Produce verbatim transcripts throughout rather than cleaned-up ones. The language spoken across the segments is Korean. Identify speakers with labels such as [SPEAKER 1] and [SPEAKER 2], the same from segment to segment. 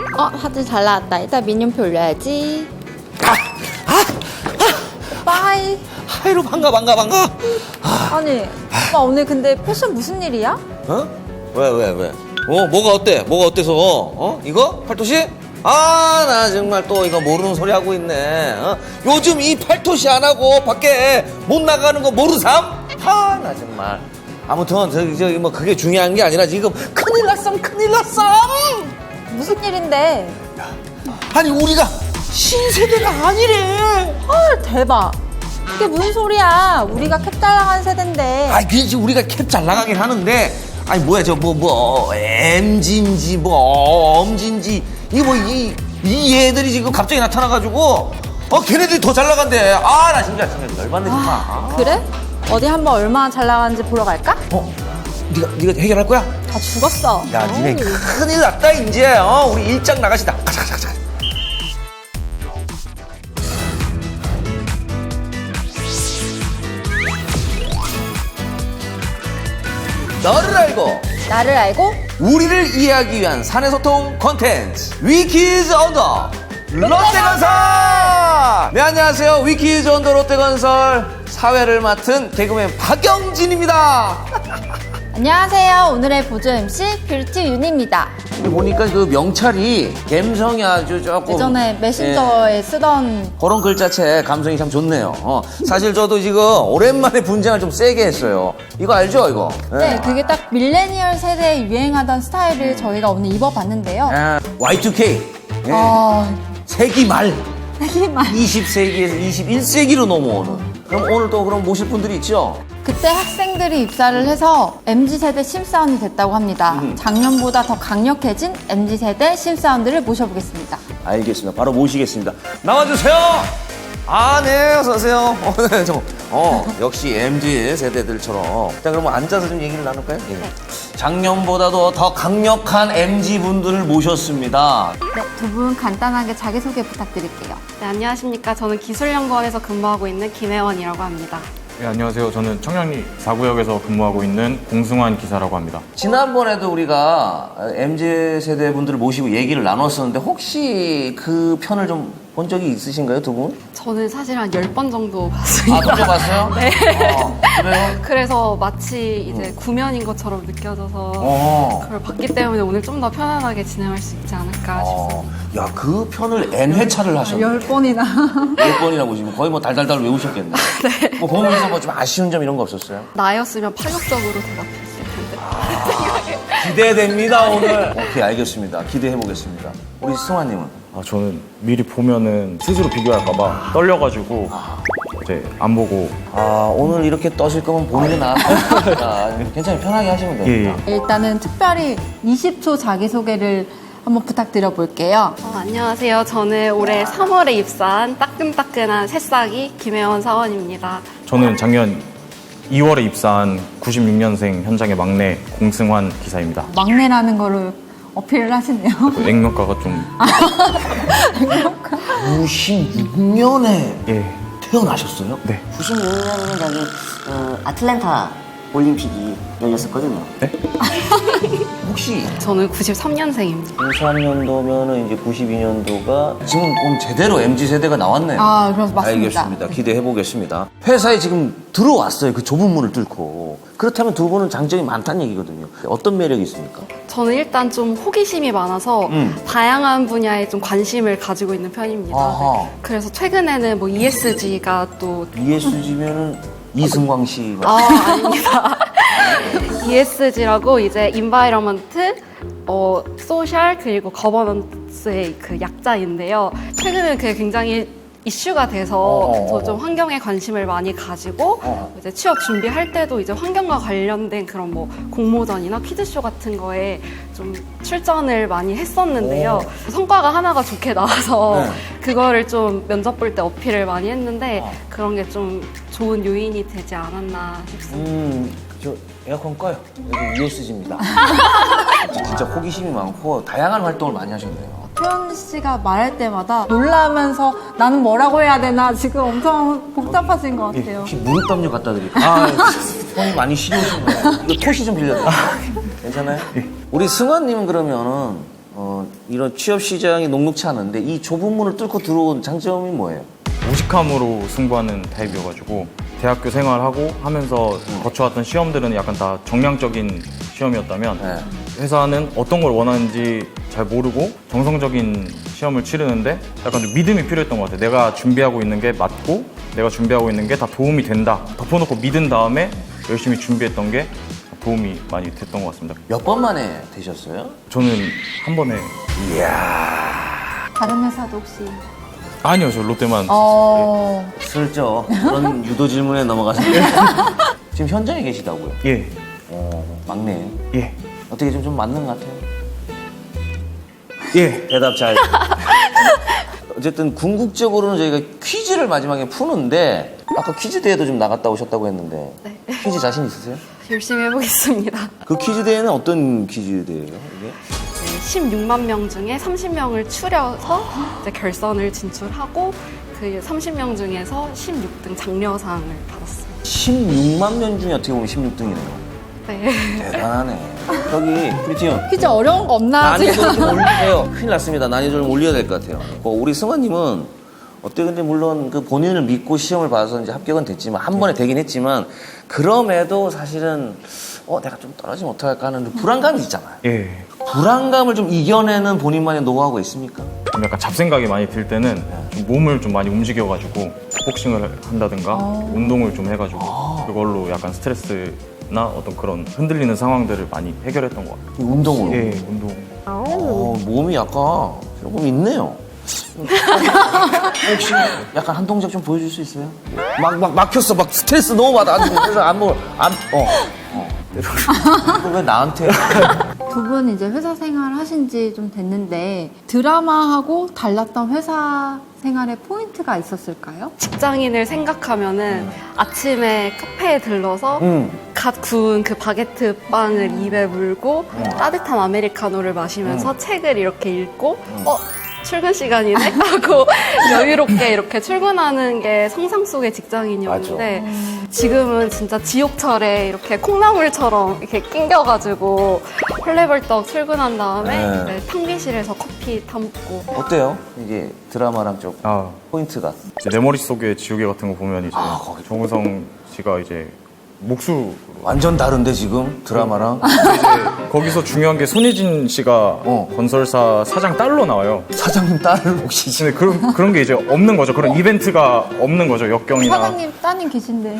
[SPEAKER 1] 어, 사진 잘 나왔다. 일단 민윤표 올려야지.
[SPEAKER 2] 아, 아,
[SPEAKER 1] 오빠 하이.
[SPEAKER 2] 하이로 반가 반가 반가. 아,
[SPEAKER 1] 아니, 오빠 오늘 근데 패션 무슨 일이야?
[SPEAKER 2] 어? 왜 왜 왜? 어 뭐가 어때? 뭐가 어때서? 어 이거 팔토시? 아 나 정말 또 이거 모르는 소리 하고 있네. 어? 요즘 이 팔토시 안 하고 밖에 못 나가는 거 모르삼? 아 나 정말. 아무튼 저기 저기 뭐 그게 중요한 게 아니라 지금 큰일 났삼 큰일 났삼.
[SPEAKER 1] 무슨 일인데?
[SPEAKER 2] 아니 우리가 신세대가 아니래.
[SPEAKER 1] 헐, 대박. 그게 무슨 소리야? 우리가 캡 잘 나가는 세대인데.
[SPEAKER 2] 아 그렇지 우리가 캡 잘 나가긴 하는데 아니 뭐야 저 뭐 뭐 엠진지 뭐 엄진지 이거 뭐 이 이 애들이 지금 갑자기 나타나가지고 어 걔네들이 더 잘 나간대. 아 나 진짜 진짜 열받네 정말. 아,
[SPEAKER 1] 그래? 어디 한번 얼마나 잘 나가는지 보러 갈까?
[SPEAKER 2] 어 네가 네가 해결할 거야?
[SPEAKER 1] 다 죽었어.
[SPEAKER 2] 야 니네 큰일 났다 이제. 어 우리 일장 나가시다. 가자 가자 가자. 너를 알고
[SPEAKER 1] 나를 알고?
[SPEAKER 2] 우리를 이해하기 위한 사내소통 콘텐츠 위키즈 언더 롯데건설. 네 안녕하세요 위키즈 언더 롯데건설 사회를 맡은 개그맨 박영진입니다.
[SPEAKER 1] 안녕하세요. 오늘의 보조 엠씨 뷰티 윤입니다.
[SPEAKER 2] 보니까 그 명찰이 감성이 아주 조금
[SPEAKER 1] 예전에 메신저에 쓰던
[SPEAKER 2] 그런 글자체 감성이 참 좋네요. 어, 사실 저도 지금 오랜만에 분장을 좀 세게 했어요. 이거 알죠 이거?
[SPEAKER 1] 네, 그게 딱 밀레니얼 세대에 유행하던 스타일을 저희가 오늘 입어봤는데요.
[SPEAKER 2] 아, 와이 투 케이 예.
[SPEAKER 1] 아,
[SPEAKER 2] 세기 말
[SPEAKER 1] 세기만.
[SPEAKER 2] 이십 세기에서 이십일 세기로 넘어오는. 그럼 오늘 또 그럼 모실 분들이 있죠?
[SPEAKER 1] 그때 학생들이 입사를 해서 엠지 세대 심사원이 됐다고 합니다.
[SPEAKER 2] 음.
[SPEAKER 1] 작년보다 더 강력해진 엠지 세대 심사원들을 모셔보겠습니다.
[SPEAKER 2] 알겠습니다. 바로 모시겠습니다. 나와주세요. 아, 네, 어서 오세요. 어, 네, 저, 어, 역시 엠지 세대들처럼. 일단 그러면 앉아서 좀 얘기를 나눌까요? 예. 작년보다도 더 강력한 엠지 분들을 모셨습니다.
[SPEAKER 1] 네, 두 분 간단하게 자기소개 부탁드릴게요.
[SPEAKER 3] 네, 안녕하십니까. 저는 기술연구원에서 근무하고 있는 김혜원이라고 합니다.
[SPEAKER 4] 네, 안녕하세요. 저는 청량리 사 구역에서 근무하고 있는 공승환 기사라고 합니다.
[SPEAKER 2] 지난번에도 우리가 엠지 세대 분들을 모시고 얘기를 나눴었는데 혹시 그 편을 좀 본 적이 있으신가요, 두 분?
[SPEAKER 3] 저는 사실 한 열 번 정도
[SPEAKER 2] 아,
[SPEAKER 3] 봤습니다.
[SPEAKER 2] 돌려봤어요?
[SPEAKER 3] 네.
[SPEAKER 2] 어, 그래요?
[SPEAKER 3] 그래서 마치 이제 구면인 것처럼 느껴져서
[SPEAKER 2] 어.
[SPEAKER 3] 그걸 봤기 때문에 오늘 좀 더 편안하게 진행할 수 있지 않을까
[SPEAKER 2] 어,
[SPEAKER 3] 싶습니다.
[SPEAKER 2] 야, 그 편을 N 회차를 하셨네.
[SPEAKER 1] 열 번이나.
[SPEAKER 2] 열 번이나 보시면 거의 뭐 달달달 외우셨겠네. 네. 뭐 보면서 뭐 좀 아쉬운 점 이런 거 없었어요?
[SPEAKER 3] 나였으면 파격적으로 대답했을 텐데.
[SPEAKER 2] 기대됩니다, 오늘. 오케이, 알겠습니다. 기대해 보겠습니다. 우리 승환님은?
[SPEAKER 4] 아, 저는 미리 보면은 스스로 비교할까봐 떨려가지고 이제 안 보고.
[SPEAKER 2] 아, 오늘 이렇게 떠실 거면 보는 게 나았다. 괜찮아요. 편하게 하시면 됩니다.
[SPEAKER 4] 예, 예.
[SPEAKER 1] 일단은 특별히 이십 초 자기소개를 한번 부탁드려 볼게요.
[SPEAKER 3] 어, 안녕하세요. 저는 올해 삼월에 입사한 따끈따끈한 새싹이 김혜원 사원입니다.
[SPEAKER 4] 저는 작년 이월에 입사한 구십육 년생 현장의 막내 공승환 기사입니다.
[SPEAKER 1] 막내라는 거를 어필을 하시네요.
[SPEAKER 4] 그 액면가가 좀
[SPEAKER 2] 구십육 년에
[SPEAKER 4] 예,
[SPEAKER 2] 태어나셨어요?
[SPEAKER 4] 네.
[SPEAKER 5] 구십육 년이면 저기 어, 아틀란타 올림픽이 열렸었거든요.
[SPEAKER 4] 네?
[SPEAKER 2] 혹시
[SPEAKER 3] 저는 구십삼 년생입니다.
[SPEAKER 2] 구십삼 년도면은 이제 구십이 년도가 지금 그럼 제대로 엠지 세대가 나왔네요.
[SPEAKER 1] 아, 그럼 맞습니다.
[SPEAKER 2] 알겠습니다. 기대해 보겠습니다. 회사에 지금 들어왔어요. 그 좁은 문을 뚫고. 그렇다면 두 분은 장점이 많다는 얘기거든요. 어떤 매력이 있습니까?
[SPEAKER 3] 저는 일단 좀 호기심이 많아서
[SPEAKER 2] 음.
[SPEAKER 3] 다양한 분야에 좀 관심을 가지고 있는 편입니다.
[SPEAKER 2] 아하.
[SPEAKER 3] 그래서 최근에는 뭐 이에스지가 또
[SPEAKER 2] 이에스지면은 이승광 씨.
[SPEAKER 3] 아, 아닙니다. 이에스지라고 이제 인바이러먼트, 어, 소셜 그리고 거버넌스의 그 약자인데요. 최근에 그게 굉장히 이슈가 돼서
[SPEAKER 2] 어.
[SPEAKER 3] 저 좀 환경에 관심을 많이 가지고
[SPEAKER 2] 어.
[SPEAKER 3] 이제 취업 준비할 때도 이제 환경과 관련된 그런 뭐 공모전이나 퀴즈쇼 같은 거에 좀 출전을 많이 했었는데요. 성과가 하나가 좋게 나와서
[SPEAKER 2] 네.
[SPEAKER 3] 그거를 좀 면접 볼 때 어필을 많이 했는데
[SPEAKER 2] 어.
[SPEAKER 3] 그런 게 좀 좋은 요인이 되지 않았나 싶습니다.
[SPEAKER 2] 음, 저 에어컨 꺼요. 여기 이에스지입니다. 진짜 호기심이 많고 다양한 활동을 많이 하셨네요.
[SPEAKER 1] 표현 씨가 말할 때마다 놀라면서 나는 뭐라고 해야 되나 지금 엄청 복잡하신 것
[SPEAKER 2] 예,
[SPEAKER 1] 같아요.
[SPEAKER 2] 혹시 무릎 담요 갖다 드릴까요? 아, 손이 많이 시려우신 거예요. 이거 토시 좀 빌려드릴까요? 괜찮아요? 우리 승환님은 그러면은 어, 이런 취업 시장이 녹록치 않은데 이 좁은 문을 뚫고 들어온 장점이 뭐예요?
[SPEAKER 4] 무식함으로 승부하는 타입이어가지고 대학교 생활하고 하면서 거쳐왔던 시험들은 약간 다 정량적인 시험이었다면
[SPEAKER 2] 네.
[SPEAKER 4] 회사는 어떤 걸 원하는지 잘 모르고 정성적인 시험을 치르는데 약간 좀 믿음이 필요했던 것 같아요. 내가 준비하고 있는 게 맞고 내가 준비하고 있는 게 다 도움이 된다. 덮어놓고 믿은 다음에 열심히 준비했던 게 도움이 많이 됐던 것 같습니다.
[SPEAKER 2] 몇 번 만에 되셨어요?
[SPEAKER 4] 저는 한 번에
[SPEAKER 1] 다른 회사도 혹시?
[SPEAKER 4] 아니요, 저 롯데만
[SPEAKER 1] 어.
[SPEAKER 2] 슬쩍 그런 유도 질문에 넘어가셨는데 지금 현장에 계시다고요?
[SPEAKER 4] 예,
[SPEAKER 2] 어, 막내.
[SPEAKER 4] 예,
[SPEAKER 2] 어떻게 좀, 좀 맞는 것 같아요?
[SPEAKER 4] 예.
[SPEAKER 2] 대답 잘. 어쨌든 궁극적으로는 저희가 퀴즈를 마지막에 푸는데 아까 퀴즈 대회도 좀 나갔다 오셨다고 했는데
[SPEAKER 3] 네.
[SPEAKER 2] 퀴즈 자신 있으세요?
[SPEAKER 3] 열심히 해보겠습니다.
[SPEAKER 2] 그 퀴즈 대회는 어떤 퀴즈 대회예요? 이게?
[SPEAKER 3] 네, 십육만 명 중에 삼십 명을 추려서 이제 결선을 진출하고 그 삼십 명 중에서 십육 등 장려상을 받았어요.
[SPEAKER 2] 십육만 명 중에 어떻게 보면 십육 등이네요.
[SPEAKER 3] 네.
[SPEAKER 2] 대단하네. 저기 프리티언
[SPEAKER 1] 퀴즈 어려운 거 없나
[SPEAKER 2] 난이도
[SPEAKER 1] 지금?
[SPEAKER 2] 좀 올리세요. 큰일 났습니다. 난이도 좀 올려야 될 것 같아요. 어, 우리 승환님은 어때 근데 물론 그 본인을 믿고 시험을 봐서 이제 합격은 됐지만 한 번에 되긴 했지만 그럼에도 사실은 어 내가 좀 떨어지면 어떡할까 하는 그 불안감이 있잖아요.
[SPEAKER 4] 예.
[SPEAKER 2] 불안감을 좀 이겨내는 본인만의 노하우가 있습니까?
[SPEAKER 4] 좀 약간 잡생각이 많이 들 때는 좀 몸을 좀 많이 움직여가지고 복싱을 한다든가 운동을 좀 해가지고 그걸로 약간 스트레스나 어떤 그런 흔들리는 상황들을 많이 해결했던 것 같아요.
[SPEAKER 2] 이 운동으로.
[SPEAKER 4] 예, 운동.
[SPEAKER 2] 어, 몸이 약간 조금 있네요. 혹시 약간 한 동작 좀 보여줄 수 있어요? 막, 막, 막혔어. 막 스트레스 너무 받아가지고. 그래서 안목을, 안, 어. 어. 이거 왜 나한테.
[SPEAKER 1] 두 분 이제 회사 생활 하신 지 좀 됐는데 드라마하고 달랐던 회사 생활의 포인트가 있었을까요?
[SPEAKER 3] 직장인을 생각하면은 아침에 카페에 들러서
[SPEAKER 2] 음.
[SPEAKER 3] 갓 구운 그 바게트 빵을 입에 물고 따뜻한 아메리카노를 마시면서 책을 이렇게 읽고 어? 출근 시간이네? 하고 여유롭게 이렇게 출근하는 게 상상 속의 직장인이었는데 지금은 진짜 지옥철에 이렇게 콩나물처럼 이렇게 낑겨가지고 헐레벌떡 출근한 다음에
[SPEAKER 2] 네.
[SPEAKER 3] 이제 탕비실에서 커피 타먹고
[SPEAKER 2] 어때요? 이게 드라마랑 좀
[SPEAKER 4] 아,
[SPEAKER 2] 포인트가.
[SPEAKER 4] 이제 내 머릿속에 지우개 같은 거 보면 이제
[SPEAKER 2] 아, 거기.
[SPEAKER 4] 정우성 씨가 이제 목수
[SPEAKER 2] 완전 다른데 지금 드라마랑.
[SPEAKER 4] 이제 거기서 중요한 게 손예진 씨가
[SPEAKER 2] 어.
[SPEAKER 4] 건설사 사장 딸로 나와요.
[SPEAKER 2] 사장님 딸을 혹시 지금.
[SPEAKER 4] 근데 그런 그런 게 이제 없는 거죠. 그런 이벤트가 없는 거죠. 역경이나.
[SPEAKER 1] 사장님 따님 계신데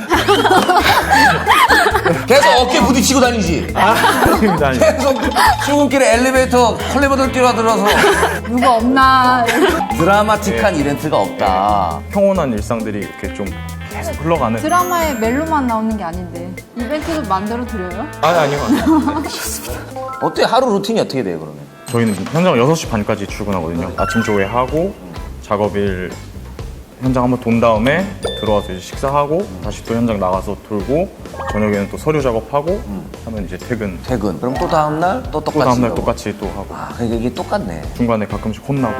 [SPEAKER 2] 계속 어깨 부딪히고 다니지.
[SPEAKER 4] 아닙니다. 아닙니다.
[SPEAKER 2] 계속 출근길에 엘리베이터 컬레버들 뛰어들어서
[SPEAKER 1] 누구 없나?
[SPEAKER 2] 드라마틱한 이벤트가 없다.
[SPEAKER 4] 평온한 일상들이 이렇게 좀 계속 흘러가는.
[SPEAKER 1] 드라마에 멜로만 나오는 게 아닌데 이벤트도 만들어 드려요?
[SPEAKER 4] 아니 아니요. 아니요.
[SPEAKER 2] 어때? 하루 루틴이 어떻게 돼요 그러면?
[SPEAKER 4] 저희는 현장 여섯 시 반까지 출근하거든요. 아침 조회하고 작업일 현장 한번 돈 다음에 들어와서 이제 식사하고 다시 또 현장 나가서 돌고 저녁에는 또 서류 작업하고 하면 이제 퇴근.
[SPEAKER 2] 퇴근. 그럼 또 다음날 또 똑같이.
[SPEAKER 4] 또 다음날
[SPEAKER 2] 가고.
[SPEAKER 4] 똑같이 또 하고
[SPEAKER 2] 아, 그러니까 이게 똑같네.
[SPEAKER 4] 중간에 가끔씩 혼나고.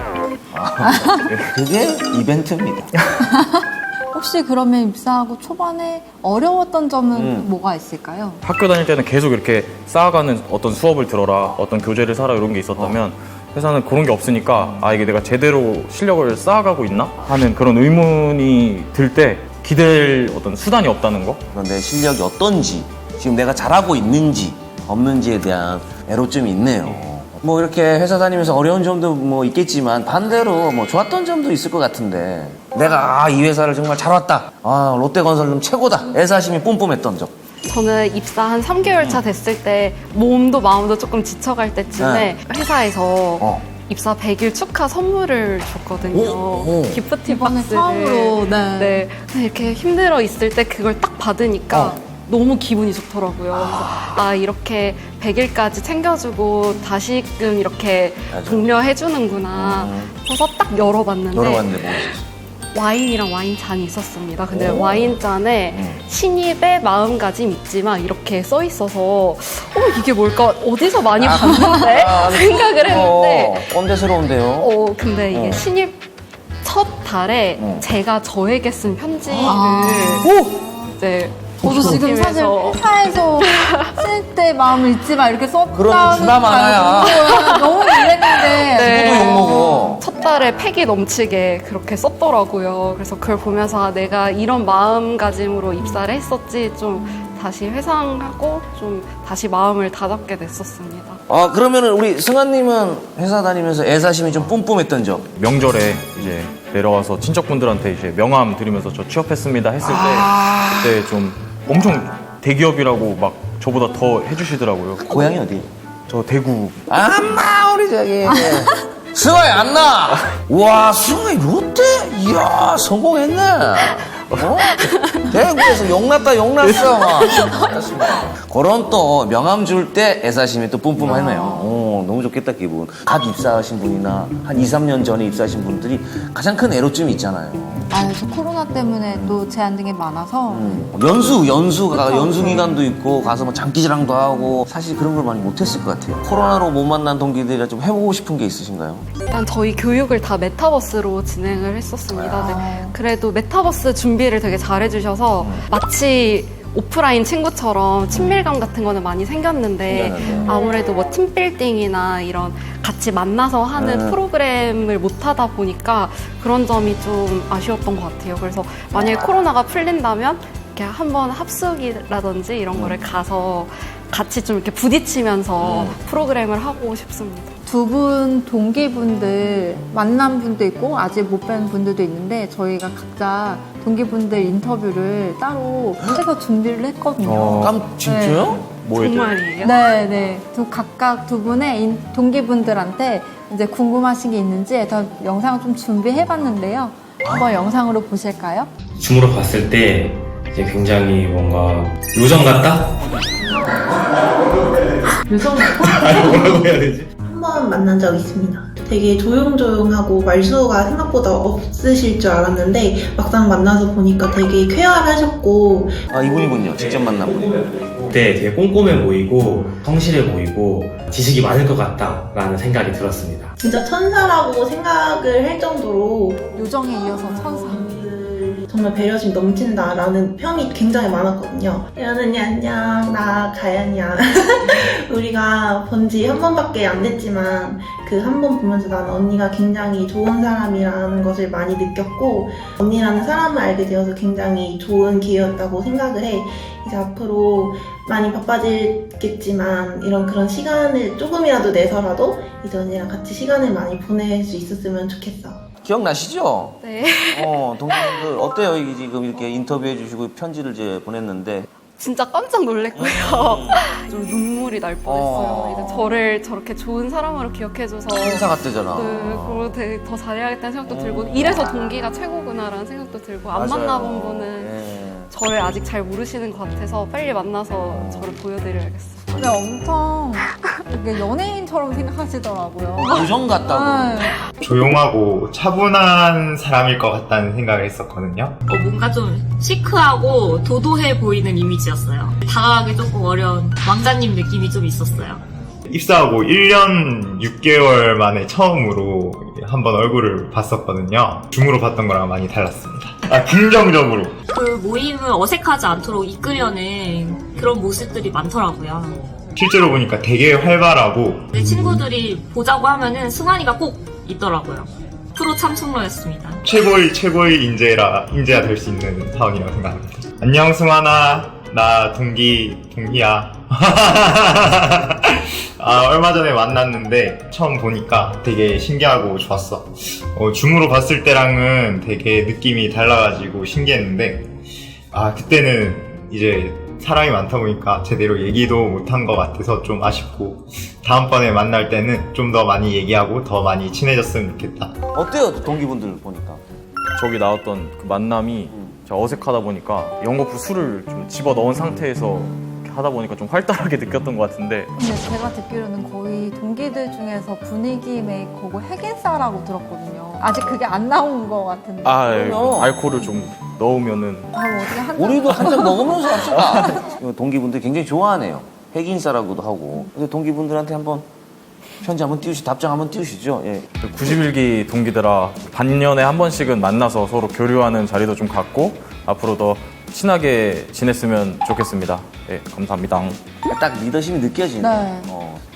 [SPEAKER 2] 그게 이벤트입니다.
[SPEAKER 1] 혹시 그러면 입사하고 초반에 어려웠던 점은
[SPEAKER 2] 음.
[SPEAKER 1] 뭐가 있을까요?
[SPEAKER 4] 학교 다닐 때는 계속 이렇게 쌓아가는 어떤 수업을 들어라, 어떤 교재를 사라 이런 게 있었다면 회사는 그런 게 없으니까 아 이게 내가 제대로 실력을 쌓아가고 있나 하는 그런 의문이 들 때 기댈 어떤 수단이 없다는 거.
[SPEAKER 2] 그런 내 실력이 어떤지, 지금 내가 잘하고 있는지 없는지에 대한 애로점이 있네요. 뭐 이렇게 회사 다니면서 어려운 점도 뭐 있겠지만 반대로 뭐 좋았던 점도 있을 것 같은데 내가 아, 이 회사를 정말 잘 왔다. 아 롯데건설은 최고다. 애사심이 뿜뿜했던 점.
[SPEAKER 3] 저는 입사 한 삼 개월 차 됐을 때 몸도 마음도 조금 지쳐갈 때쯤에
[SPEAKER 2] 네.
[SPEAKER 3] 회사에서
[SPEAKER 2] 어.
[SPEAKER 3] 입사 백 일 축하 선물을 줬거든요.
[SPEAKER 2] 오, 오.
[SPEAKER 3] 기프티
[SPEAKER 1] 이번에
[SPEAKER 3] 박스를.
[SPEAKER 1] 처음으로, 네.
[SPEAKER 3] 네. 근데 이렇게 힘들어 있을 때 그걸 딱 받으니까
[SPEAKER 2] 어.
[SPEAKER 3] 너무 기분이 좋더라고요. 그래서 아 이렇게 백 일까지 챙겨주고 다시금 이렇게
[SPEAKER 2] 맞아.
[SPEAKER 3] 독려해주는구나.
[SPEAKER 2] 음.
[SPEAKER 3] 그래서 딱 열어봤는데
[SPEAKER 2] 열어봤는데 뭐 있었어?
[SPEAKER 3] 와인이랑 와인 잔이 있었습니다. 근데
[SPEAKER 2] 오.
[SPEAKER 3] 와인 잔에
[SPEAKER 2] 음.
[SPEAKER 3] 신입의 마음가짐 있지만 이렇게 써 있어서 어 이게 뭘까 어디서 많이 봤는데
[SPEAKER 2] 아,
[SPEAKER 3] 생각을 했는데
[SPEAKER 2] 어, 꼰대스러운데요.
[SPEAKER 3] 어 근데 이게
[SPEAKER 2] 어.
[SPEAKER 3] 신입 첫 달에
[SPEAKER 2] 어.
[SPEAKER 3] 제가 저에게 쓴 편지를
[SPEAKER 1] 아.
[SPEAKER 3] 이제
[SPEAKER 1] 저도 지금 사실
[SPEAKER 3] 보면서
[SPEAKER 1] 회사에서 쓸 때 마음을 잊지 마 이렇게 썼다는
[SPEAKER 2] 그럼 주나 마나야.
[SPEAKER 1] 줄 알고 너무 놀랐는데
[SPEAKER 3] 네.
[SPEAKER 2] 누구도 욕먹어.
[SPEAKER 3] 첫 달에 패기 넘치게 그렇게 썼더라고요. 그래서 그걸 보면서 아, 내가 이런 마음가짐으로 입사를 했었지 좀 다시 회상하고 좀 다시 마음을 다잡게 됐었습니다.
[SPEAKER 2] 아, 그러면은 우리 승환님은 회사 다니면서 애사심이 좀 뿜뿜했던 적?
[SPEAKER 4] 명절에 이제 내려와서 친척분들한테 이제 명함 드리면서 저 취업했습니다 했을 때
[SPEAKER 2] 아.
[SPEAKER 4] 그때 좀 엄청 대기업이라고 막 저보다 더 해주시더라고요.
[SPEAKER 2] 고향이 어디?
[SPEAKER 4] 저 대구.
[SPEAKER 2] 안나 우리 저기 승환이 안나. 와, 승환이 롯데? 이야, 성공했네. 어? 대구에서 용났다 용났어. 그렇습니다. 그런 또 명함 줄 때 애사심이 또 뿜뿜하네요. 오, 너무 좋겠다 기분. 갓 입사하신 분이나 한 이, 삼 년 전에 입사하신 분들이 가장 큰 애로점이 있잖아요.
[SPEAKER 1] 아, 그래서 코로나 때문에 또 제한된 게 많아서
[SPEAKER 2] 음, 연수, 연수가
[SPEAKER 1] 그쵸,
[SPEAKER 2] 연수
[SPEAKER 1] 그쵸.
[SPEAKER 2] 기간도 있고 가서 뭐 장기자랑도 하고 사실 그런 걸 많이 못했을 것 같아요. 코로나로 못 만난 동기들이라 좀 해보고 싶은 게 있으신가요?
[SPEAKER 3] 일단 저희 교육을 다 메타버스로 진행을 했었습니다. 네. 그래도 메타버스 준비를 되게 잘해주셔서 마치 오프라인 친구처럼 친밀감 같은 거는 많이 생겼는데
[SPEAKER 2] 생겼는데.
[SPEAKER 3] 아무래도 뭐 팀빌딩이나 이런 같이 만나서 하는
[SPEAKER 2] 네.
[SPEAKER 3] 프로그램을 못 하다 보니까 그런 점이 좀 아쉬웠던 것 같아요. 그래서 만약에 코로나가 풀린다면 이렇게 한번 합숙이라든지 이런 거를 가서 같이 좀 이렇게 부딪히면서 프로그램을 하고 싶습니다.
[SPEAKER 1] 두 분 동기분들 만난 분도 있고 아직 못 뵌 분들도 있는데 저희가 각자 동기분들 인터뷰를 따로 해서 준비를 했거든요.
[SPEAKER 4] 어.
[SPEAKER 2] 깜 진짜요?
[SPEAKER 4] 뭐 해야 돼?
[SPEAKER 3] 정말이에요?
[SPEAKER 1] 네, 네. 두 각각 두 분의 인- 동기분들한테 이제 궁금하신 게 있는지 해서 영상을 좀 준비해봤는데요. 한번 영상으로 보실까요?
[SPEAKER 6] 줌으로 봤을 때 이제 굉장히 뭔가 요정 같다?
[SPEAKER 1] 요정
[SPEAKER 6] 아니 뭐라고 해야 되지?
[SPEAKER 7] 한 번 만난 적 있습니다. 되게 조용조용하고 말수가 생각보다 없으실 줄 알았는데 막상 만나서 보니까 되게 쾌활하셨고
[SPEAKER 2] 아, 이분이군요. 직접 만나본.
[SPEAKER 6] 그때 되게 꼼꼼해 보이고 성실해 보이고 지식이 많을 것 같다라는 생각이 들었습니다.
[SPEAKER 7] 진짜 천사라고 생각을 할 정도로
[SPEAKER 1] 요정에 이어서 천사.
[SPEAKER 7] 정말 배려심 넘친다라는 평이 굉장히 많았거든요. 연은이 안녕, 나 가연이야. 우리가 본 지 한 번밖에 안 됐지만 그 한 번 보면서 나는 언니가 굉장히 좋은 사람이라는 것을 많이 느꼈고 언니라는 사람을 알게 되어서 굉장히 좋은 기회였다고 생각을 해. 이제 앞으로 많이 바빠지겠지만 이런 그런 시간을 조금이라도 내서라도 이제 언니랑 같이 시간을 많이 보낼 수 있었으면 좋겠어.
[SPEAKER 2] 기억나시죠?
[SPEAKER 3] 네.
[SPEAKER 2] 어, 동기분들 어때요? 이게 지금 이렇게 인터뷰해 주시고 편지를 이제 보냈는데
[SPEAKER 3] 진짜 깜짝 놀랐고요. 좀 눈물이 날 뻔했어요.
[SPEAKER 2] 어.
[SPEAKER 3] 이제 저를 저렇게 좋은 사람으로 기억해줘서
[SPEAKER 2] 행사 같대잖아.
[SPEAKER 3] 네, 그리고 되게 더 잘해야겠다는 생각도 들고 이래서 동기가 최고구나라는 생각도 들고 안
[SPEAKER 2] 맞아요.
[SPEAKER 3] 만나본 분은
[SPEAKER 2] 예.
[SPEAKER 3] 저를 아직 잘 모르시는 것 같아서 빨리 만나서 저를 보여드려야겠어요.
[SPEAKER 1] 근데 엄청 이렇게 연예인처럼 생각하시더라고요.
[SPEAKER 2] 요정 같다고.
[SPEAKER 1] 네.
[SPEAKER 8] 조용하고 차분한 사람일 것 같다는 생각을 했었거든요.
[SPEAKER 9] 어, 뭔가 좀 시크하고 도도해 보이는 이미지였어요. 다가가기 조금 어려운 왕자님 느낌이 좀 있었어요.
[SPEAKER 8] 입사하고 일 년 육 개월 만에 처음으로 한번 얼굴을 봤었거든요. 줌으로 봤던 거랑 많이 달랐습니다. 아, 긍정적으로.
[SPEAKER 9] 그 모임을 어색하지 않도록 이끌려는 그런 모습들이 많더라고요.
[SPEAKER 8] 실제로 보니까 되게 활발하고
[SPEAKER 9] 내 친구들이 보자고 하면은 승환이가 꼭 있더라고요. 프로 참석러였습니다.
[SPEAKER 8] 최고의 최고의 인재라 인재가 될 수 있는 사원이라고 생각합니다. 안녕 승환아, 나 동기 동희야. 아, 얼마 전에 만났는데 처음 보니까 되게 신기하고 좋았어. 어, 줌으로 봤을 때랑은 되게 느낌이 달라가지고 신기했는데 아, 그때는 이제 사람이 많다 보니까 제대로 얘기도 못한 것 같아서 좀 아쉽고 다음번에 만날 때는 좀 더 많이 얘기하고 더 많이 친해졌으면 좋겠다.
[SPEAKER 2] 어때요? 동기분들 보니까.
[SPEAKER 4] 저기 나왔던 그 만남이 제가 어색하다 보니까 연거푸 술을 좀 집어 넣은 상태에서 이렇게 하다 보니까 좀 활달하게 느꼈던 것 같은데
[SPEAKER 1] 근데 제가 듣기로는 거의 동기들 중에서 분위기 메이커고 핵인싸라고 들었거든요. 아직 그게 안 나온 것 같은데.
[SPEAKER 4] 아, 예,
[SPEAKER 2] 그럼요.
[SPEAKER 4] 알코올을 좀 넣으면은
[SPEAKER 1] 아, 뭐 어떻게 한 잔-
[SPEAKER 2] 우리도 한 잔 먹으면서 합시다. 이거 동기분들 굉장히 좋아하네요. 핵인싸라고도 하고. 근데 동기분들한테 한번 편지 한번 띄우시, 답장 한번 띄우시죠. 예.
[SPEAKER 4] 구십일 기 동기들아 반년에 한 번씩은 만나서 서로 교류하는 자리도 좀 갖고 앞으로 더 친하게 지냈으면 좋겠습니다. 예, 감사합니다.
[SPEAKER 2] 딱 리더십이 느껴지네.
[SPEAKER 1] 네.
[SPEAKER 2] 어.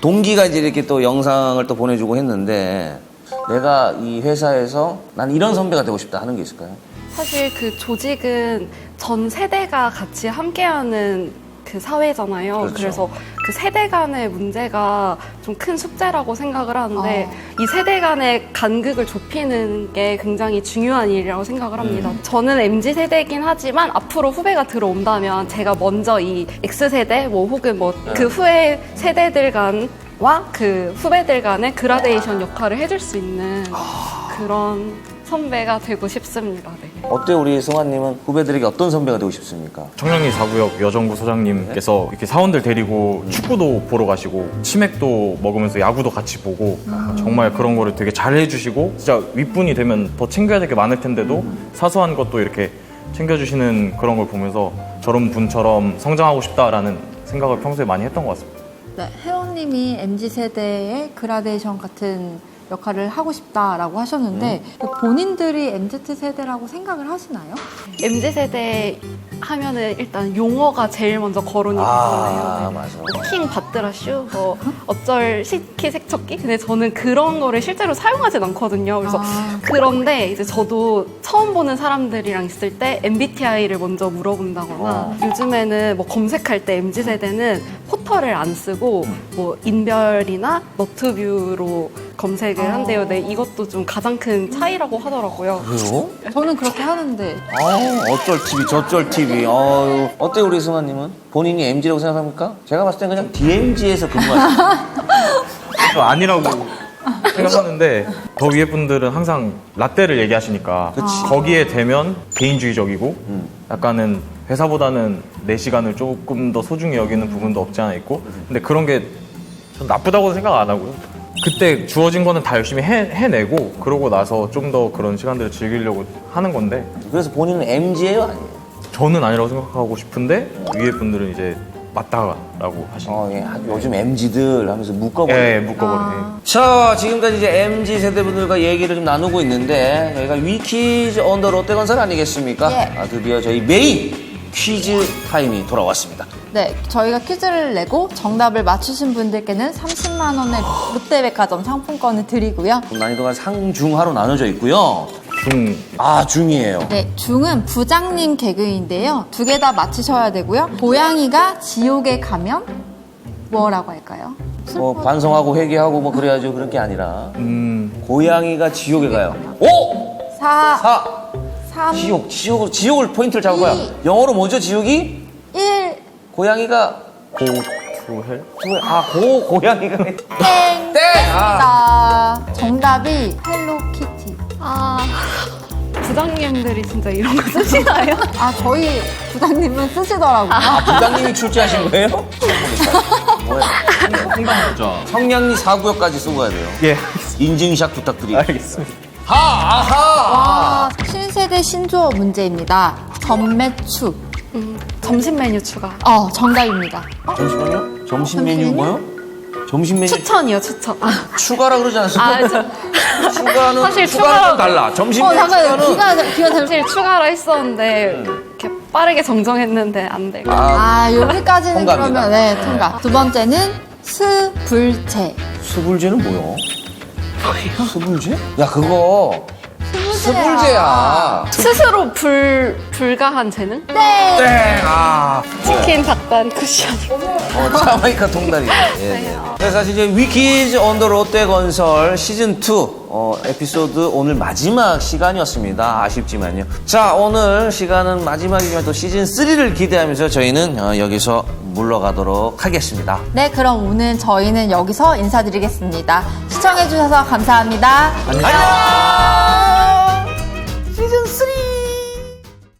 [SPEAKER 2] 동기가 이제 이렇게 또 영상을 또 보내주고 했는데 내가 이 회사에서 난 이런 선배가 되고 싶다 하는 게 있을까요?
[SPEAKER 3] 사실 그 조직은 전 세대가 같이 함께하는 그 사회잖아요.
[SPEAKER 2] 그렇죠.
[SPEAKER 3] 그래서 그 세대 간의 문제가 좀 큰 숙제라고 생각을 하는데
[SPEAKER 1] 어.
[SPEAKER 3] 이 세대 간의 간극을 좁히는 게 굉장히 중요한 일이라고 생각을 합니다.
[SPEAKER 2] 음.
[SPEAKER 3] 저는 엠지 세대이긴 하지만 앞으로 후배가 들어온다면 제가 먼저 이 X세대 뭐 혹은 뭐 그
[SPEAKER 2] 네.
[SPEAKER 3] 후에 세대들 간과 그 후배들 간의 그라데이션 역할을 해줄 수 있는 그런 선배가 되고 싶습니다. 네.
[SPEAKER 2] 어때 우리 승환님은 후배들에게 어떤 선배가 되고 싶습니까?
[SPEAKER 4] 청량리 사 구역 여정부 소장님께서 이렇게 사원들 데리고 축구도 보러 가시고 치맥도 먹으면서 야구도 같이 보고 정말 그런 거를 되게 잘 해주시고 진짜 윗분이 되면 더 챙겨야 될 게 많을 텐데도 사소한 것도 이렇게 챙겨주시는 그런 걸 보면서 저런 분처럼 성장하고 싶다라는 생각을 평소에 많이 했던 것 같습니다.
[SPEAKER 1] 네, 혜원님이 엠지 세대의 그라데이션 같은 역할을 하고 싶다라고 하셨는데 본인들이 엠지 세대라고 생각을 하시나요?
[SPEAKER 3] 엠지 세대 하면은 일단 용어가 제일 먼저 거론이
[SPEAKER 2] 아,
[SPEAKER 3] 되잖아요.
[SPEAKER 2] 맞아.
[SPEAKER 3] 뭐 킹 받드라슈, 뭐 어쩔 식기 세척기. 근데 저는 그런 거를 실제로 사용하진 않거든요. 그래서
[SPEAKER 1] 아.
[SPEAKER 3] 그런데 이제 저도 처음 보는 사람들이랑 있을 때 엠비티아이를 먼저 물어본다거나
[SPEAKER 2] 어.
[SPEAKER 3] 요즘에는 뭐 검색할 때 엠지 세대는 포털을 안 쓰고 뭐 인별이나 너트뷰로 검색을 한대요. 네, 이것도 좀 가장 큰 차이라고 하더라고요.
[SPEAKER 2] 그래요?
[SPEAKER 1] 저는 그렇게 하는데
[SPEAKER 2] 아우 어쩔 티비 저쩔 티비 어유 어때 우리 승환님은? 본인이 엠지라고 생각합니까? 제가 봤을 땐 그냥 디엠지에서 근무하시는
[SPEAKER 4] 저 아니라고 생각하는데 더 위에 분들은 항상 라떼를 얘기하시니까 거기에 되면 개인주의적이고
[SPEAKER 2] 음.
[SPEAKER 4] 약간은 회사보다는 내 시간을 조금 더 소중히 여기는 부분도 없지 않아 있고 근데 그런 게 전 나쁘다고 생각 안 하고요. 그때 주어진 거는 다 열심히 해, 해내고 그러고 나서 좀 더 그런 시간들을 즐기려고 하는 건데
[SPEAKER 2] 그래서 본인은 엠지예요 아니에요?
[SPEAKER 4] 저는 아니라고 생각하고 싶은데 위에 분들은 이제 맞다라고 하시는
[SPEAKER 2] 어, 예. 아, 요즘 엠지들 하면서 묶어버려.
[SPEAKER 4] 예, 묶어버리네.
[SPEAKER 2] 자, 지금까지 이제 엠지 세대분들과 얘기를 좀 나누고 있는데 저희가 위키즈 온 더 롯데건설 아니겠습니까?
[SPEAKER 1] 예.
[SPEAKER 2] 아, 드디어 저희 메인 퀴즈 타임이 돌아왔습니다.
[SPEAKER 1] 네, 저희가 퀴즈를 내고 정답을 맞추신 분들께는 삼십만 원의 롯데백화점 상품권을 드리고요.
[SPEAKER 2] 난이도가 상중하로 나눠져 있고요.
[SPEAKER 4] 중
[SPEAKER 2] 아, 중이에요.
[SPEAKER 1] 네, 중은 부장님 개그인데요. 두 개 다 맞히셔야 되고요. 고양이가 지옥에 가면 뭐라고 할까요?
[SPEAKER 2] 뭐 반성하고 회개하고 뭐 그래야죠. 그런 게 아니라
[SPEAKER 4] 음,
[SPEAKER 2] 고양이가 지옥에 가요. 오!
[SPEAKER 1] 사,
[SPEAKER 2] 사!
[SPEAKER 1] 삼,
[SPEAKER 2] 지옥, 지옥을, 지옥을 포인트를 잡아봐요.
[SPEAKER 1] 이.
[SPEAKER 2] 영어로 뭐죠, 지옥이?
[SPEAKER 1] 일,
[SPEAKER 2] 고양이가
[SPEAKER 4] 고투헬?
[SPEAKER 2] 아, 고, 고양이가
[SPEAKER 1] 땡!
[SPEAKER 2] 땡! 아.
[SPEAKER 1] 자, 정답이 헬로키티.
[SPEAKER 3] 아, 부장님들이 진짜 이런 거 쓰시나요?
[SPEAKER 1] 아, 저희 부장님은 쓰시더라고요.
[SPEAKER 2] 아, 부장님이 출제하신 거예요? 뭐야? 성량리 사 구역까지 쓰고 가야 돼요.
[SPEAKER 4] 예,
[SPEAKER 2] 인증샷 부탁드립니다.
[SPEAKER 4] 알겠습니다.
[SPEAKER 2] 하! 아하!
[SPEAKER 1] 와, 신세대 신조어 문제입니다. 전매축.
[SPEAKER 3] 음, 점심 메뉴 추가.
[SPEAKER 1] 어, 정답입니다.
[SPEAKER 2] 잠시만요. 점심 메뉴 뭐요? 점심 메뉴
[SPEAKER 3] 추천이요, 추천. 아,
[SPEAKER 2] 추가라 그러지 않습니까?
[SPEAKER 3] 아, 저,
[SPEAKER 2] 추가는
[SPEAKER 3] 사실
[SPEAKER 2] 추가는
[SPEAKER 3] 추가로-
[SPEAKER 2] 좀 달라. 점심
[SPEAKER 1] 어,
[SPEAKER 2] 메뉴
[SPEAKER 1] 잠깐만요.
[SPEAKER 2] 추가는
[SPEAKER 1] 귀가, 귀가 잘.
[SPEAKER 3] 사실 추가로 했었는데 이렇게 빠르게 정정했는데 안 되고.
[SPEAKER 2] 아,
[SPEAKER 1] 아, 여기까지는
[SPEAKER 2] 통과입니다.
[SPEAKER 1] 그러면, 네, 통과. 두 번째는 스불제.
[SPEAKER 2] 스불제는 뭐요? 스불제? 야, 그거 스불제야.
[SPEAKER 3] 스스로 불 불가한 재능?
[SPEAKER 1] 땡!
[SPEAKER 2] 땡! 아.
[SPEAKER 3] 치킨 닭단 쿠션.
[SPEAKER 2] 어, 자마이카 통다리. 예, 예. 그래서 사실 이제 위키즈 온 더 롯데건설 시즌 투 어, 에피소드 오늘 마지막 시간이었습니다. 아쉽지만요. 자, 오늘 시간은 마지막이지만 또 시즌 쓰리를 기대하면서 저희는 어, 여기서 물러가도록 하겠습니다.
[SPEAKER 1] 네, 그럼 오늘 저희는 여기서 인사드리겠습니다. 시청해주셔서 감사합니다.
[SPEAKER 2] 안녕! 시즌 쓰리!